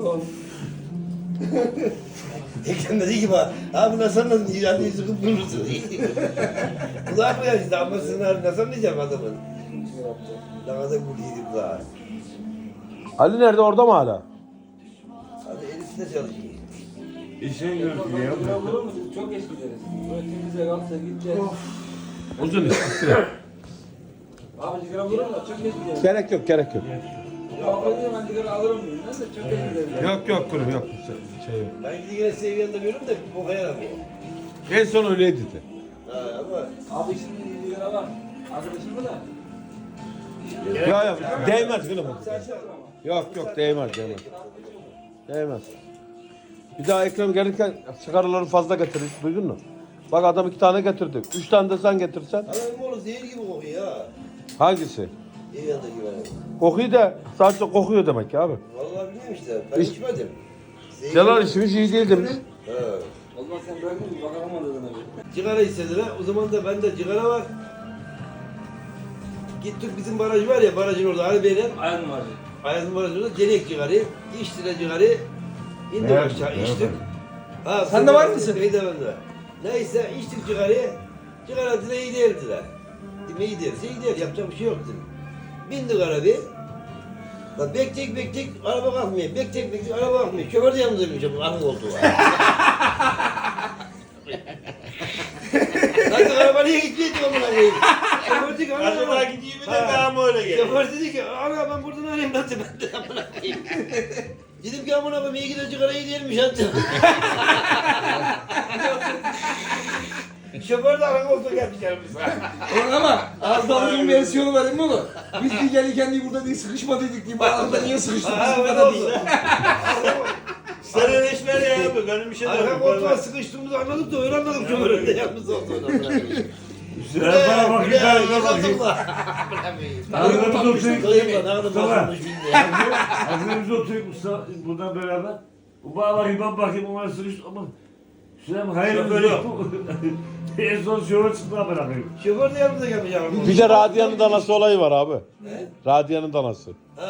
Ekrem dedi ki bak, abi nasıl anladın? İran'ı yüzü kıpkırmızı. Kulak mı yani? Ama sen nasıl anlayacağım adamın? Ne kadar gülüydü kulağa. Ali nerede, orada mı hala? Hadi Elif de çalışıyor. İşe görünüyor. Çok geç gideriz. Böyle temizle kalksa gideceğiz. Uzun iş. Abi sigara vurur mu? Çok geç gideriz. Gerek yok, gerek yok. Yok ben sigara alırım diyorum. Ben de çok geç gideriz. Yok yok kurum yok. Şey yok. Ben gidi yine seviyende görüyorum da bir boka yaramıyor. En son öyleydi de. Ha ama Abi şimdi sigara var. Arkadaşım mı da? Ya ya değmez gülüm. Yok yok değmez. Değmez. Bir daha Ekrem gelirken sigaraları fazla getirir. Duydun mu? Bak adam 2 tane getirdi. 3 tane de sen getirsen. Adam oğlum zehir gibi kokuyor ha. Hangisi? Eviyanda gibi hani. Kokuyu da sadece kokuyor demek ki abi. Vallahi bilmiyorum işte. Ben Hiç- içmedim. Zehir Celal gibi- işimiz iyi değil demiş. Ha. O zaman sen bırakın mı? Bakalım orada abi. Sigara istediler. O zaman da bende sigara var. Gittik bizim baraj var ya, barajın orada Ali Bey'le. Ayağın var. Ayazın barajında denek cigarayı. İçtiler cigarayı. İndik Evet, aşağı, evet. içtik. Ha, Sen de var mısın? Bey de bende. Neyse içtik cigarayı. Sigara dile iyi değil dediler. Dedim iyi değilse iyi değil. Yapacak bir şey yok dedim. Bindik arabaya. Lan bektek araba kalkmıyor. Bektek araba kalkmıyor. Şoför de yanımızdaymış bu araba oldu. Lan araba niye gitmiyor ki amına koyayım? Şoför dedi ki Acaba gideyim mi de daha mı öyle geliyor? Şoför dedi ki ana ben buradan arayayım ben de amına koyayım. Dedim ki amına koyayım iyi gidiyor sigara iyi değilmiş hatta. Şoför de araba oldu gelmiş yanımıza. Ulan ama az daha uzun versiyonu var emin olun. Biz bir gelirken diye burada diye sıkışma dedik diye. Bu arada niye sıkıştık? Ha Biz bu öyle kadar oldu. değil. Sen eleşmer ya abi. Benim bir şey de Arka yok. koltuğa sıkıştığımızı anladık da öyle anladık şoförün de yalnız olduğunu. Sen bana bak yukarı bakayım. Hazırımız oturuyoruz. Hazırımız oturuyoruz buradan beraber. Bu bana bakayım ben bakayım ona sıkıştı ama Süleyman hayır böyle yok. En son şöyle çıktı ben bakayım. Şoför de yanımıza gelmiş yavrum. Bir de Radia'nın danası olayı var abi. Radia'nın danası.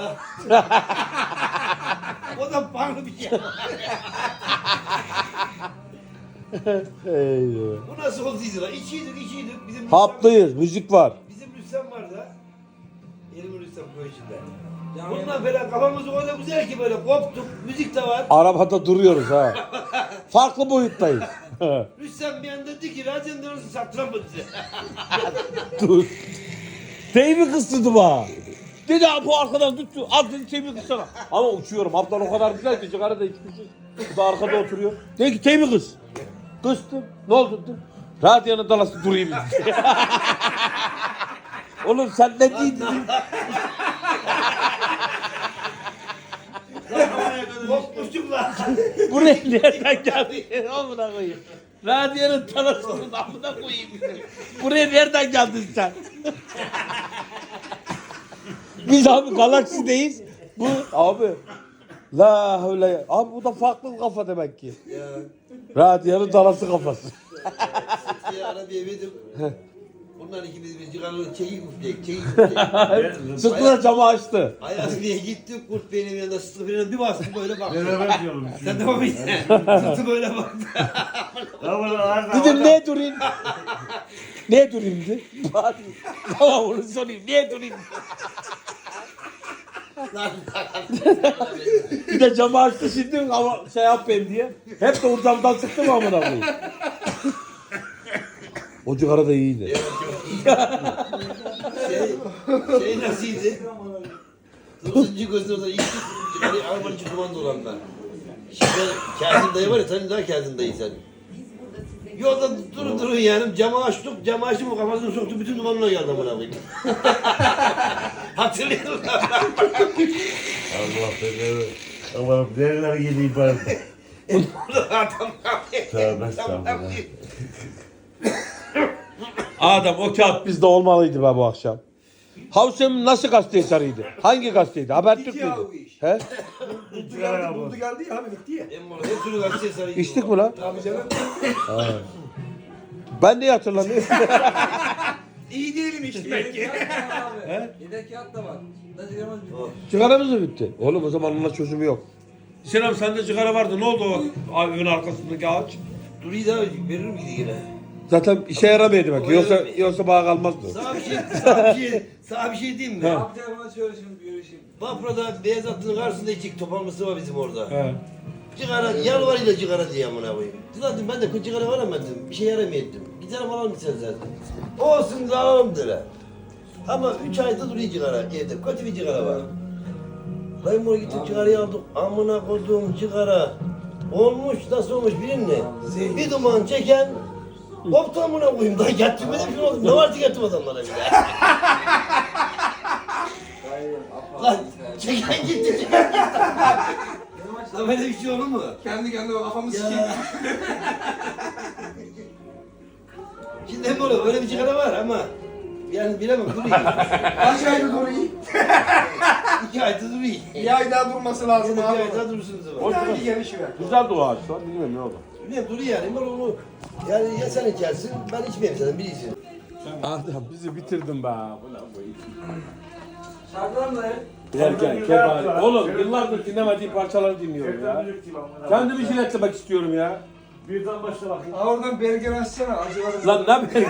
O da farklı bir şey. Eyvah. Bu nasıl olduydu lan? İçiydik. Bizim Haplıyız, müzik var. Bizim Rüstem var da. Elimin Rüstem koy içinde. Bununla böyle kafamız o kadar güzel ki böyle koptuk. Müzik de var. Arabada duruyoruz ha. Farklı boyuttayız. Rüstem bir anda dedi ki radyonun dönüşü sattıramı dedi. Dur. Teybi kıstırdı bana. Dedi abi bu arkadan tuttu. Al dedi teybi kıssana. Ama uçuyorum. Haftan o kadar güzel ki sigara da içmişiz. Bu da arkada oturuyor. Dedi ki teybi kıs. Kıstım. Ne oldu dedim. Radyonun dalası durayım dedi. Oğlum sen ne diyorsun? Kopmuştuk lan. Buraya nereden geldin? Amına koyayım. Radyonun talasının amına koyayım. Buraya nereden geldin sen? Biz abi galaksideyiz. Bu abi. La havle. Abi bu da farklı bir kafa demek ki. Ya. Radyonun dalası kafası. Sıtkı'ya arabaya verdim. Bunlar ikimiz bir cigarlı çekik üfleyek. Sıkla camı açtı. Ayaz diye gittik kurt benim yanında Sıtkı benim bir bastım böyle baktı. Beraber diyorum. Sen de bakmışsın. Sıtkı böyle baktı. Dedim ne durayım? Ne durayım dedi. Bari. Tamam onu sorayım. Ne durayım? Bir de camı açtı şimdi ama şey yapayım diye. Hep de o camdan sıktım amına koyayım. O cigara da iyiydi. Şey nasılydı? 9. gözünü orada içtik. Cigarayı arabanın içi duman dolanlar. Şimdi Kazım dayı var ya senin daha Kazım dayı sen. Yolda durun yani camı açtık, camı açtım o kafasını soktu bütün dumanına geldi amına koyayım. Hatırlıyorum. Allah beni. Aman nereler gideyim ben. Adam Tövbe estağfurullah. Adam o kağıt bizde olmalıydı be bu akşam. Havsem nasıl gazete sarıydı? Hangi gazeteydi? Habertürk müydü? He? Buldu geldi ya abi bitti ya. Hep türlü gazeteye sarıydı. İçtik mi lan? Abi canım. Ben de hatırlamıyorum. İyi değilim işte belki. Yedek kağıt da var. Da sigaramız bitti. Sigaramız mı bitti? Oğlum o zaman onunla çözümü yok. Selam sende sigara vardı. Ne oldu o evin arkasındaki ağaç? Duruyu da veririm gidi yine. Zaten işe yaramıyordu bak. O yaramıyor. Yoksa bağ kalmazdı. Sana bir şey diyeyim mi? He. Abi telefona söyle şimdi görüşeyim. Bafra'da beyaz hattının karşısında içik topanlısı var bizim orada. He. Cigara, yalvarıyla cigara diye amına koyayım. Zaten ben de cigara varamadım. Bir şey yaramıyordum. Gidelim alalım sen zaten. Olsun da alalım dedi. Ama 3 ayda duruyor cigara evde. Kötü bir cigara var. Dayım oraya gittik cigarayı aldık. Amına koyduğum cigara. Olmuş nasıl olmuş bilinme. Bir duman çeken koptu amına koyayım. Daha yattım böyle bir şey oldu. Ne var ki yattım adamlara bile. Lan çeken gitti çeken gitti. Lan böyle bir şey olur mu? Kendi kendime kafamı Ya. sikeyim. Şimdi hep böyle bir cigara var ama yani bilemem duruyor. Kaç aydır duruyor? 2 ayda duruyor. Bir ay daha durması lazım Bir abi. ay daha durursunuz ama. Hoş Bir gelişiver. Güzel o ağaç lan. Bilmiyorum ne oldu. Ne duruyor yani ben onu yani ya sen içersin ben içmeyeyim zaten bilirsin. Adem bizi bitirdin be. Şarkılar mı dayı? Derken kebap. Oğlum yıllardır dinlemediğim parçaları dinliyorum ya. Kendimi jiletlemek istiyorum ya. Birden başla bakayım. Aa oradan bergen açsana acıları. Lan ne bileyim.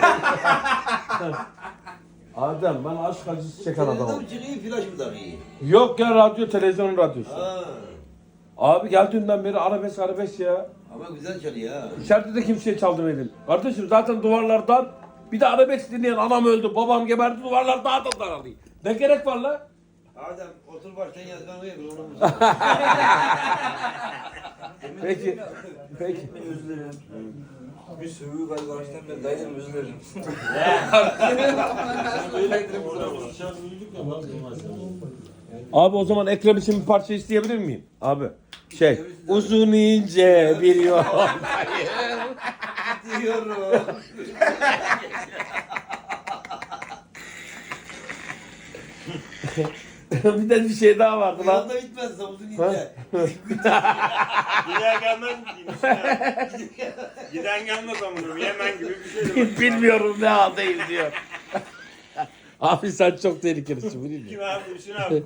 Adem ben aşk acısı çeken adamım. Adam çıkıyor flash mı takıyor? Yok ya radyo televizyonun radyosu. Ha. Abi geldiğinden beri arabesk ya. Ama güzel çalıyor ha. İçeride de kimseye çaldırmadım. Kardeşim zaten duvarlardan bir de arabesk dinleyen anam öldü, babam geberdi, duvarlar daha da daralıyor. Ne gerek var la? Adem otur baştan yazgan uyuyor biz onu Peki. Peki. Özür dilerim. Bir sövüğü galiba baştan ben dayılarım özür dilerim. Abi o zaman Ekrem için bir parça isteyebilir miyim? Abi. Uzun ince bir yol. diyorum. Bir de bir şey daha vardı lan. Yolda bitmez uzun ince. Gider gelmez mi diyeyim ya? Giden gelmez amınım. Yemen gibi bir şey de var. Bilmiyorum ne haldeyim diyor. Abi sen çok tehlikelisin biliyor musun? Kim abi? Hüsnü abi.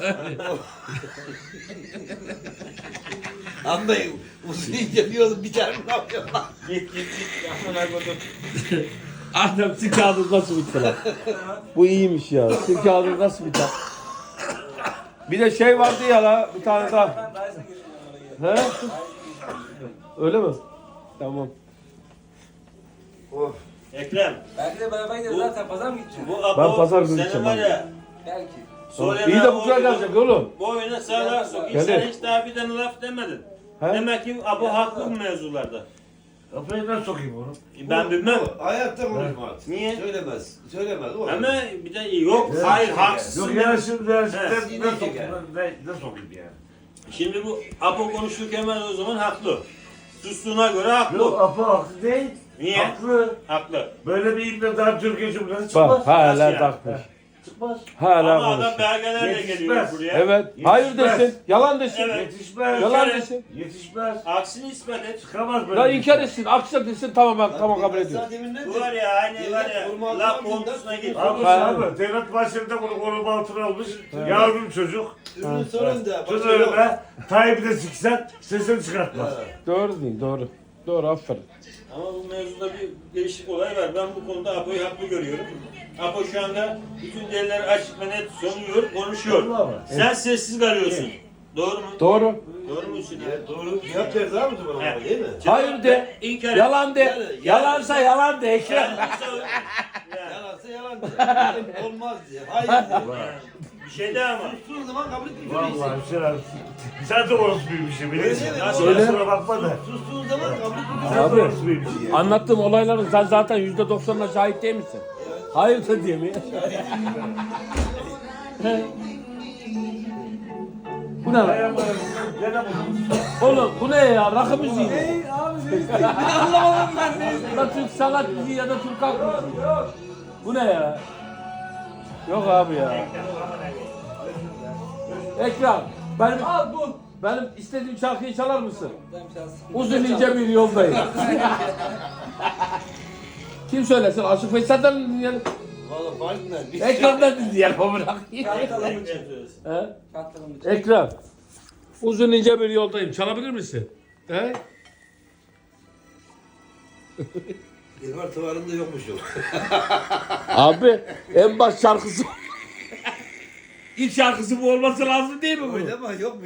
Anlayın uzun ince diyorum bir tane ne yapıyor lan? Git. Amına koydum. Adem sil kağıdı nasıl bitti lan? Bu iyiymiş ya. Sil kağıdı nasıl biter? Bir de şey vardı ya la bir tane daha. He? Öyle mi? Tamam. Of. Ekrem. Belki de beraber gideriz zaten pazar mı gideceğiz? Bu abo Ben pazar günü senin gideceğim var abi. ya. Belki. İyi de bu kadar gelecek oğlum. Bu oyuna sağlar sok. Gelir. Sen hiç daha bir tane laf demedin. He? Demek ki abo haklı bu mevzularda. Kafayı ben sokayım onu. Ben bilmem. Bu hayatta konuşmaz. Niye? Söylemez. Söylemez. O Ama bir de yok. Hayır haksızsın. Yok yani şimdi He. ne sokayım ne sokayım yani. Şimdi bu abo konuşurken ben o zaman haklı. Sustuğuna göre haklı. Yok Apo haklı değil. Niye? Haklı. Haklı. Böyle bir ibne daha Türkiye Cumhuriyeti çıkmaz. Bak hala Nasıl takmış. Çıkmaz. Hala Ama adam konuşuyor. belgelerle geliyor Yetişmez. buraya. Evet. Yetişmez. Hayır desin. Yalan desin. Evet. Yetişmez. Yalan kere- desin. Yetişmez. Aksini ispat et. Çıkamaz böyle. Ya bir inkar şey. etsin. Aksi desin tamam ben tamam kabul ediyorum. Bu var ya aynı var ya laf kontusuna gir. Abi Ha. abi devlet başlarında bunu kolum altına almış. Yavrum çocuk. Ürünün sonunda. Söz önüme Tayyip'i de siksen sesini çıkartmaz. Doğru değil doğru. Doğru aferin. Ama bu mevzuda bir değişik olay var. Ben bu konuda Apo'yu haklı görüyorum. Apo şu anda bütün delilleri açık ve net sunuyor, konuşuyor. Doğru mu? Sen sessiz kalıyorsun. Doğru mu? Doğru. Doğru mu Hüsnü? Evet, doğru. Cevap verdi abi o zaman Evet. değil mi? Hayır de. İnkar et. Yalan de. Yalansa yalan de Ekrem. Yalansa- Ya, Yalansa yalan de. Olmaz diye. Hayır diye. bir şey de ama. Sustuğun zaman kabul etmiş Vallahi Hüseyin sen de orospuyum bilirsin. Öyle mi? Nasıl Öyle. kusura bakma da. Sustuğun zaman kabul etmiş. Sen Abi. de orospuyum ya. Anlattığım olayların sen zaten %90'ına şahit değil misin? Hayır da diye mi? Bu ne lan? Gene bunu. Oğlum bu ne ya? Rakı müziği mi? Hey abi ne anlamadım ben ne? Ya da Türk sanat müziği ya da Türk halk müziği. Bu ne ya? Yok abi ya. Ekrem, benim istediğim şarkıyı çalar mısın? Uzun ince bir yoldayım. Kim söylesin? Aşık Veysel'den mi dinleyelim? Valla farkında. Biz Ekrem'den dinleyelim o bırak. Ekrem söylesin. He? Ekrem. Uzun ince bir yoldayım. Çalabilir misin? He? Yılmar Tuvar'ında yokmuş o. Abi en baş şarkısı. İlk şarkısı bu olması lazım değil mi bu? Öyle ama yokmuş.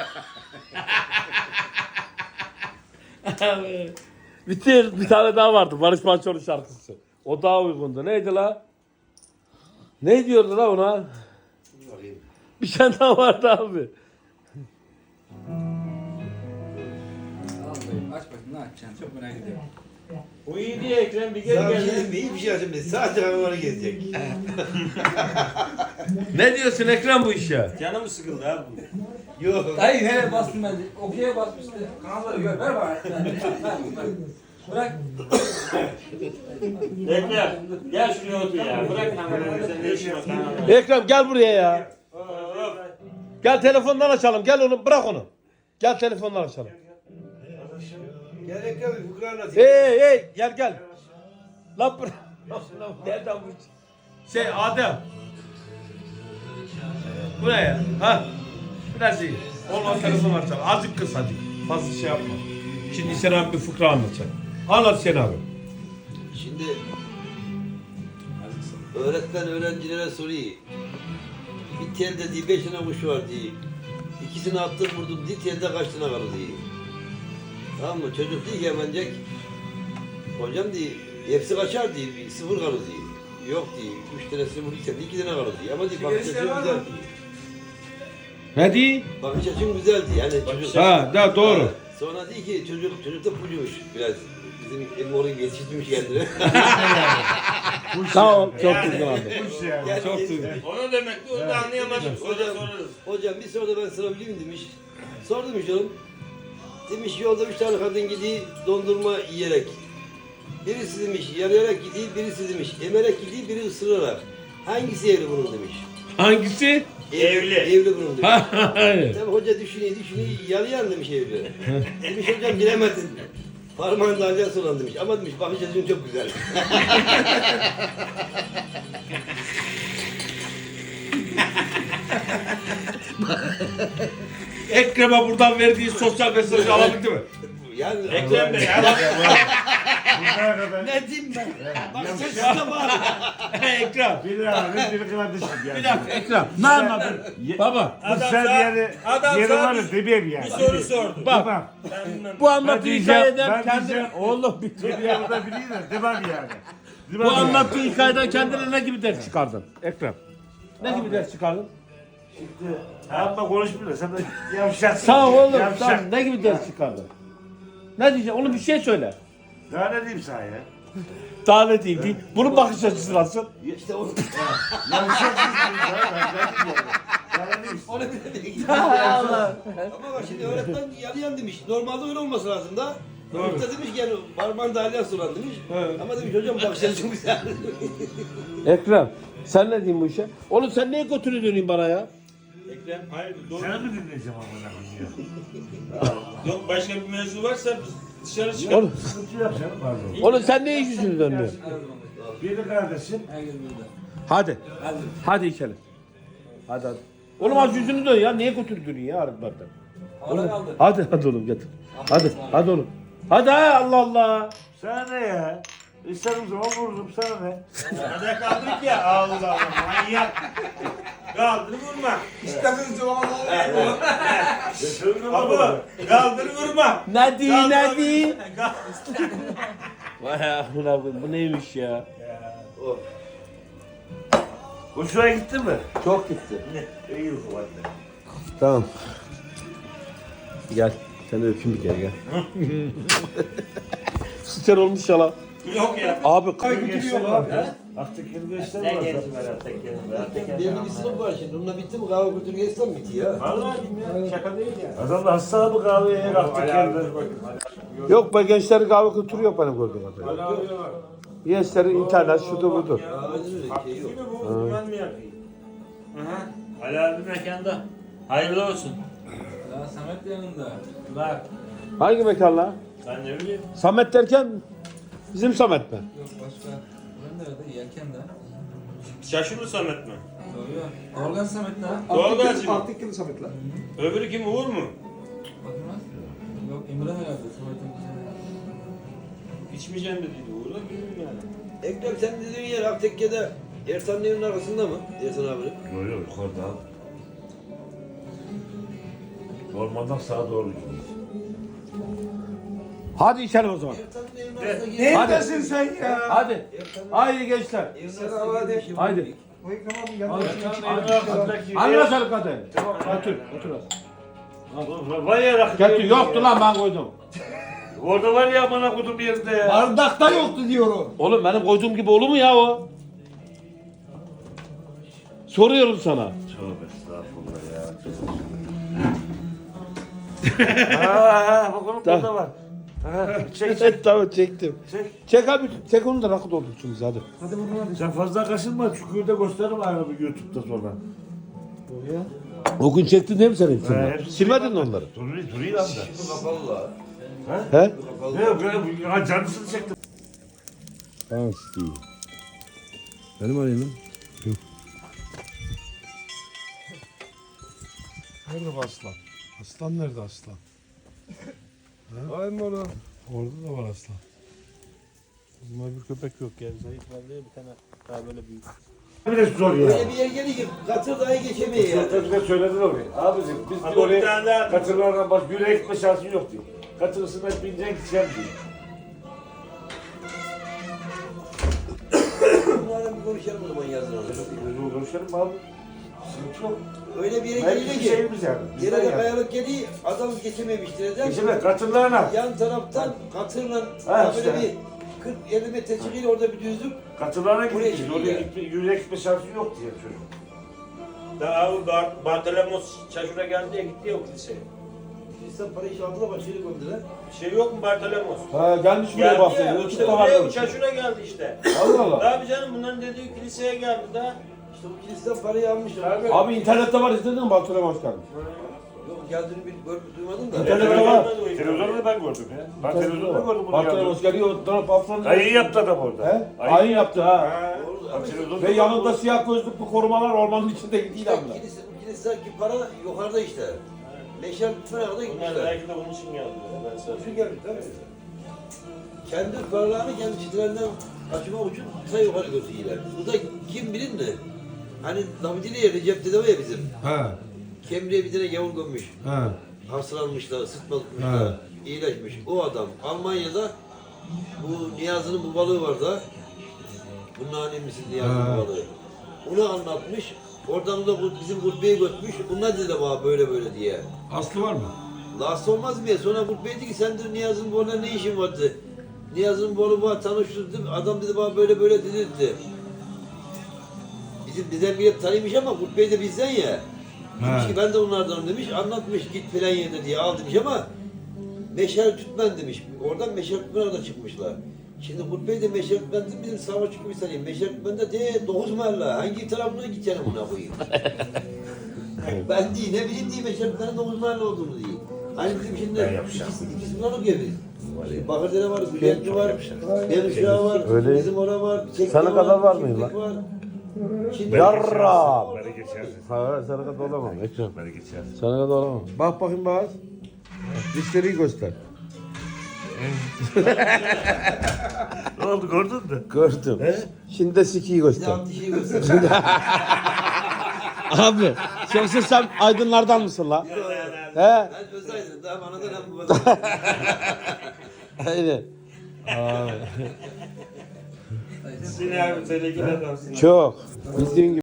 Bir tane daha vardı. Barış Manço'nun şarkısı. O daha uygundu. Neydi la? Ne diyordu la ona? Bakayım. Bir tane daha vardı abi. Aç bakayım ne açacaksın çok merak ediyorum. O iyi diye Ekrem bir gel Sana bir şey gel. diyeyim mi? Hiçbir şey açayım. Sadece hayvanları gezecek. Ne diyorsun Ekrem bu işe? Canım sıkıldı abi. Yok. Hayır nereye bastım ben? Okey'e basmıştı. Kanalları gör ver bana. Bırak. Ekrem gel şuraya otur ya. Bırak kamerayı. Sen ne işin var kanalda? Ekrem gel buraya ya. Hop. Gel telefondan açalım. Gel onu bırak onu. Gel telefondan açalım. Gerek yok. Fıkra anlatayım. Hey gel. Lan bırak. Lan nereden bu? Şey Adem. Buraya. Ha. Biraz iyi. Ondan telefon açalım. Azıcık kıs hadi. Fazla şey yapma. Şimdi sen abi bir fıkra anlatacak. Anlat sen abi. Şimdi öğretmen öğrencilere soruyor. Bir telde diye 5 tane kuş var diye. İkisini attım vurdum diye telde kaç tane kalır diye. Tamam mı? Çocuk diyor ki hemencek. Hocam diye hepsi kaçar diye. Bir sıfır kalır diye. Yok diye. 3 tanesini vurduysan 2 tane kalır diye. Ama diye bakış açın güzel diye. Ne diye? Bakış açın güzel diye. Yani çocuk... Ha, da doğru. Sonra diyor ki çocuk da puluymuş biraz. Bizim Emre'nin yetiştirmiş kendini. Sağ ol. Çok güzel abi. Yani Çok yetiştirmiş. güzel. Onu demek ki onu da anlayamadım. Sonra sorarız. Hocam bir soru da ben sorabilir miyim demiş. Sordum işte oğlum. Demiş yolda 3 tane kadın gidiyor dondurma yiyerek. Birisi demiş yarayarak gidiyor, birisi demiş emerek gidiyor, biri ısırarak. Hangisi evli bunun demiş. Hangisi? Evli. Evli bunun demiş. Hayır. Tabii hoca düşünüyor, yarayan demiş evli. Demiş hocam bilemedin. Parmağında alyans olan demiş. Ama demiş bakış açın çok güzel. Ekrem'e buradan verdiği sosyal mesajı alabildi mi? Yani Ekrem Bey. ne diyeyim ben? Bakış açısına bağlı. Ekrem. Bir abi, bir kardeşim yani. Bir dakika Ekrem. Ne anladın? Baba. Bu sen yani yeri var ya demeyeyim yani. Bir soru sordu. Bak. Ben bilmem. Bu anlattığı hikayeden ben kendine... diyeceğim. Oğlum bir dur Demeyeyim ya. da bileyim de demem yani. Bu anlattığı hikayeden kendine ne gibi ders çıkardın Ekrem? Ne gibi ders çıkardın? Amma konuşmuyor da sen de yavşaksın. Sağ ol oğlum. Yavşak. Sen ne gibi ders çıkardın? Ne diyeceksin? Onu bir şey söyle. Daha ne diyeyim sana ya? Daha ne diyeyim değil. Bunun bakış açısı nasıl? İşte onu. Yavşaksın diyeyim sana ben ne diyeyim? Daha ne diyeyim? Onu bile Allah. Ama bak şimdi öğretmen yarayan demiş. Normalde öyle olması lazım da. Öğretmen demiş ki yani parmağında alyans olan demiş. Ama demiş hocam bakış açın güzel. Ekrem sen ne diyeyim bu işe? Oğlum sen niye götünü döneyim bana ya? Ekrem hayır doğru. Seni mi dinleyeceğim amına koyayım? Yok başka bir mevzu varsa biz dışarı çıkalım. Oğlum, Sıkıntı yok canım pardon. oğlum sen niye yüzünü dönüyorsun? Bir kardeşim. Herkes burada. Hadi. Hadi içelim. Hadi. Oğlum az yüzünü dön ya. Niye götünü dönüyorsun ya arıklardan? Havada kaldı. Hadi oğlum getir. Hadi oğlum. Hadi Allah Allah. Sana ne ya? İsterim zaman vururum sana ne? Hadi kaldırık ya. Allah Allah manyak. Kaldır vurma. İsteminiz cevabı Baba kaldır vurma. Ne di Kaldır, ne di? kaldır. Vay amına koyayım bu neymiş ya? Oh, Hoşuna gitti mi? Çok gitti. İyi o zaman. Tamam. Gel. Sen de öpeyim bir kere gel. Süper olmuş ya lan. Yok ya. Abi Götürüyor abi. Aktekini göster Ne var. gelsin ben Atteken'e. benim bir sınıf var şimdi. Onunla bitti mi? Kahve götür geçsem bitti ya. Vallahi bilmiyorum. Şaka değil ya. Adam da hasta bu kahveye yer aktekende. yok be gençlerin kahve kültürü yok benim gördüğüm kadarıyla. Gençlerin internet şudur budur. Aynen öyle şey yok. Değil mi bu? Ben mi yapayım? Aha. Ali abi mekanda. Hayırlı olsun. Ya Samet de yanında. Bak. Hangi mekan lan? Ben ne bileyim. Samet derken bizim Samet mi? Yok başka. Ben nerede? Yelken de. Şaşırlı Samet mi? Doğalgaz Samet lan. Doğalgaz mı? Altı yılı Samet lan. Öbürü kim, Uğur mu? Yok Emre herhalde Samet'in. İçmeyeceğim dediydi Uğur da bilmiyorum yani. Ekrem sen dediğin yer Aktekke'de Ertan'ın evinin arkasında mı? Ertan abi. Yok yok yukarıda. Ormandan sağa doğru gidiyoruz. Hadi içelim o zaman. Ertan'ın evinin arkasında Neredesin sen ya? Hadi. Haydi gençler. Sen hadi. Haydi. Bu Ekrem abi yanına Anla sarı kadın. Otur. Otur. Var ya rakı. Getir. Yoktu lan ben koydum. Orada var ya bana kodum bir yerinde ya. Bardakta yoktu diyorum. Oğlum benim koyduğum gibi olur mu ya o? Soruyorum sana. Tövbe estağfurullah ya. Ha bak onun burada var. Ha, çek. Tamam çektim. Çek. Çek abi. Çek onu da rakı doldursunuz hadi. Hadi buradan hadi. Sen fazla kaşınma çukurda gösteririm abi YouTube'da sonra. O gün çektin değil mi sen hepsini? hepsini Silmedin mi onları? Duruyor lan da. Bu kapalı la. He? Ne yok ya canlısını çektim. Tamam Steve. Benim arayayım lan. Nerede bu aslan? Aslan nerede aslan? Ay mı orada? Orada da var aslan. Bizim bir köpek yok ya. Zayıf var diye bir tane daha böyle büyük. Bir de zor ya. Öyle bir yer geliyor ki katır dahi geçemiyor ya. Sözde söyledin orayı. Abicim biz Abi bir bir tane oraya daha- katırlardan baş yürüye gitme şansın yok diyor. Katırısına bineceksin gideceksin diyor. Bunlarla bir konuşalım o zaman yazın onu. Biz konuşalım abi. Sıkıntı yok. Öyle bir yere Belki geliyor bir ki. şeyimiz yani. Yere de kayalık geliyor, adam geçememiştir eder. Geçeme katırlarına. Yan taraftan katırla Ha, böyle işte. bir 40-50 metre çıkıyor orada bir düzlük. Katırlarına Buraya gideceğiz. çıkıyor Oraya ya. gitme, yürüye gitme şansın yok diye çocuk. Daha o Bartolomos Çaşur'a geldi ya, gitti ya o kiliseye. İnsan parayı işi aldılar başarı gönderiler. Bir şey yok mu Bartolomos? Ha gelmiş buraya Geldi bahsediyor. ya, işte YouTube'da buraya var. o Çaşur'a geldi işte. Allah Allah. Tabii canım bunların dediği kiliseye geldi daha. İşte bu kiliseden parayı almışlar. Abi. Abi internette var izledin mi? Bartolome hoş geldin. Yok geldiğini duymadım da. İnternette var. Televizyonda ben gördüm ya. Ben televizyonda gördüm bunu Bartolome ya. hoş geliyor. Taraf haftanın. Ayın yaptı adam orada. He? Ayın yaptı ha. Ha. Doğru. Bak, televizyonda Ve yanında gördüm. siyah gözlüklü korumalar ormanın içinde gidiyor İşte amına. bu kilisedeki para yukarıda işte. Meşal tutmaya kadar Bunlar gitmişler. belki de bunun için geldi. Ben sana Şu geldi tabii. Kendi paralarını kendi çitlerinden kaçırmak için ta yukarı götürüyorlar. Bu da kim bilir ne? Hani David'in yeri cepte var ya bizim. He. Kemriye bir tane gavur gömmüş. He. Hastalanmışlar, sıtma tutmuşlar. İyileşmiş. O adam Almanya'da bu Niyazi'nin bu balığı var da. Bunun annemisin Niyazi'nin Ha. balığı. Onu anlatmış. Oradan da bu bizim Gurbe'ye götmüş. Bunlar dedi bana böyle böyle diye. Aslı var mı? Last olmaz mı ya? Sonra Gurbe dedi ki sen de Niyazi'nin balığı ne işin vardı? Niyazi'nin balığı var tanıştırdım. Adam dedi bana böyle böyle dedi. Bizim dedem bile tanıymış ama Gurbe de bizden ya. Demiş He. ki ben de onlardan demiş, anlatmış git filan yerde diye al demiş ama meşal tütmen demiş. Oradan meşal tütmen da çıkmışlar. Şimdi Gurbe'yi de meşal tütmen bizim savaş çıkmış sanayım. Meşal tütmen de 9 mahalle. Hangi tarafına gideceğim ona koyayım. Ben değil, ne bileyim diye meşal tütmenin 9 mahalle olduğunu değil. Hani bizim şimdi ikisi bunlar okuyor biz. Bakırdere var, Gülentli var, Deruşağı var, Öyle. bizim orada var, Çekme Sana kadar var mıyım Çiftlik lan? var. Şimdi Yarra. Beni geçersin. Ha sana kadar olamam Ekrem. Beni geçersin. Sana kadar olamam. Bak bakayım bak. Dişleri göster. Ne oldu gördün mü? Gördüm. Şimdi de sikiyi bir de göster. alt dişi göster. Abi yoksa sen aydınlardan mısın lan? He? Ben Özaydın'ım, daha anadan hem babadan. Aynen. Seni abi, seninki adamsın. Çok. Bildiğin gibi.